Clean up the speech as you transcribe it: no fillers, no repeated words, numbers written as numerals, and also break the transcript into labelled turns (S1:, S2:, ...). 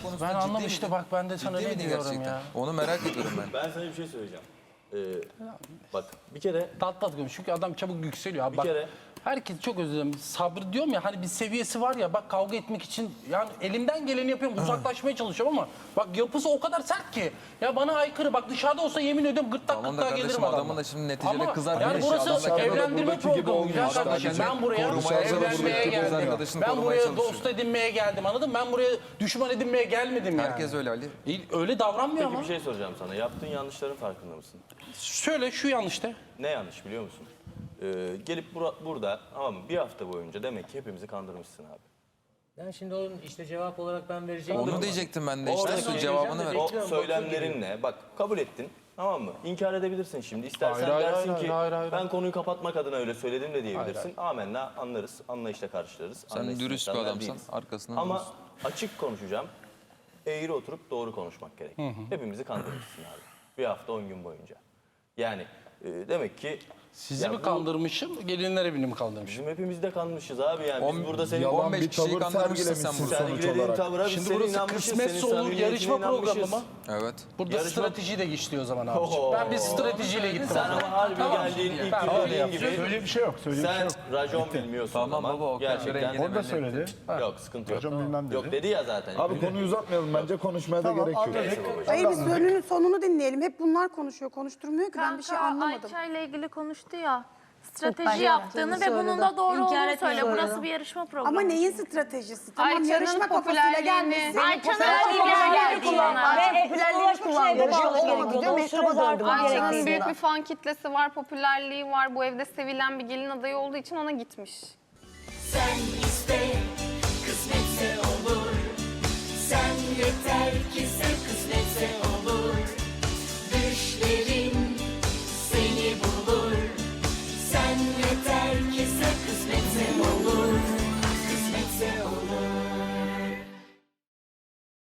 S1: konusu
S2: Ben
S1: ciddi
S2: anlam
S1: miydi?
S2: işte bak ben de sana
S1: Ciddi
S2: ne
S1: miydi
S2: diyorum
S1: gerçekten?
S2: ya.
S1: Onu merak ediyorum ben.
S3: Ben sana bir şey söyleyeceğim. Bak bir kere
S2: Tatlı konuş çünkü adam çabuk yükseliyor abi.
S3: Bir
S2: Bak,
S3: kere-
S2: herkes çok özür dilerim. Sabrı diyorum ya hani bir seviyesi var ya bak kavga etmek için yani elimden geleni yapıyorum uzaklaşmaya çalışıyorum ama bak yapısı o kadar sert ki ya bana aykırı bak dışarıda olsa yemin ediyorum gırtlak
S1: Tamam da
S2: gırtlağa
S1: kardeşim,
S2: gelirim adamla.
S1: adamın da şimdi neticede
S2: Ama
S1: kız
S2: yani
S1: arkadaşı,
S2: burası
S1: adam da kendine
S2: evlendirme
S4: buradaki gibi
S2: programı güzel
S4: olmuyor
S2: kardeşim.
S4: işte.
S2: Ben buraya
S1: Korumaya
S2: evlenmeye
S1: çalışıyor, kız
S2: geldim.
S1: arkadaşını
S2: Ben
S1: korumaya
S2: buraya
S1: çalışıyor.
S2: dost edinmeye geldim anladın mı? Ben buraya düşman edinmeye gelmedim yani.
S1: Herkes öyle Ali.
S2: Öyle davranmıyor
S3: peki
S2: ama.
S3: bir şey soracağım sana. Yaptığın yanlışların farkında mısın?
S2: Şöyle şu yanlışta.
S3: Ne yanlış biliyor musun? Gelip burada tamam mı? Bir hafta boyunca demek ki hepimizi kandırmışsın abi.
S5: Ben şimdi onun işte cevap olarak ben vereceğim.
S1: Onu diyecektim ben de işte.
S3: Oradaki
S1: Su cevabını ver.
S3: O
S5: Bekliyorum,
S3: söylemlerinle bak kabul ettin. Tamam mı? İnkar edebilirsin şimdi. İstersen
S2: Hayır,
S3: dersin
S2: hayır,
S3: ki
S2: hayır.
S3: ben konuyu kapatmak adına öyle söyledim de diyebilirsin. Amenna anlarız. Anlayışla karşılarız.
S1: Sen
S3: Anlayışlı
S1: dürüst bir
S3: insanlar
S1: adamsan
S3: değiliz.
S1: arkasından
S3: Ama
S1: durursun.
S3: açık konuşacağım. Eğri oturup doğru konuşmak gerek. Hepimizi kandırmışsın abi. Bir hafta 10 gün boyunca. Yani demek ki
S2: Sizi
S3: ya
S2: mi
S3: bu-
S2: kandırmışım, gelinler evini mi kandırmışım?
S3: Bizim hepimiz de kanmışız abi yani. Biz burada senin
S4: Yalan
S1: 15
S4: bir
S1: kişiyi
S4: tavır
S1: kandırmışsın sen
S4: sergilemişsin
S1: burada.
S4: sonuç
S3: sergilediğin
S4: olarak.
S3: tavıra biz
S2: Şimdi
S3: senin
S2: burası
S3: inanmışız.
S2: kısmetse
S3: senin
S2: olur
S3: samimiyetine
S2: yarışma
S3: inanmışız.
S2: programı mı?
S1: Evet.
S2: Burada
S3: Yarışma-
S2: strateji de işliyor o zaman abi.
S3: Oho.
S2: Ben bir stratejiyle gittim.
S3: Sen ama harbi
S2: Tamam.
S3: geldiğin ilk
S2: Ben
S3: gün
S2: öyle
S3: dediğin
S2: yapacağım.
S3: gibi
S4: Söyleyecek bir şey yok. Söyleyecek bir şey
S3: sen
S4: yok.
S3: racon bilmiyorsun
S1: Tamam
S3: ama
S1: baba, o
S3: gerçekten
S1: rengine
S4: O da söyledi.
S3: yok sıkıntı yok.
S4: Hocam bilmem dedi.
S3: Yok dedi ya zaten.
S4: Abi konuyu uzatmayalım bence konuşmaya da gerek yok.
S6: Hayır biz sonunu dinleyelim. Hep bunlar konuşuyor. Konuşturmuyor ki ben bir şey
S7: Kanka,
S6: anlamadım.
S7: Ayça ile ilgili konuştu ya.
S6: Ben
S7: Strateji yaptığını ve bunun da doğru
S8: İnkar
S7: olduğunu
S8: etmiyorum.
S7: söyle. Burası bir yarışma programı.
S6: Ama neyin stratejisi? Tamam
S8: Ayça'nın
S6: yarışma kafasıyla
S8: popülerliğini-
S6: gelmişsin.
S7: Ayça'nın
S8: Popülerliğini
S7: kullanan.
S8: ve popülerliğini kullandı.
S6: Yarışma
S8: Yarışması
S6: olmadı diyor.
S8: gerekiyordu.
S6: Mehtap'a döndü.
S8: Ayça'nın
S9: Büyük bir fan kitlesi var, popülerliği var. Bu evde sevilen bir gelin adayı olduğu için ona gitmiş.
S10: Sen iste, kısmetse olur. Sen yeter ki sev, kısmetse olur.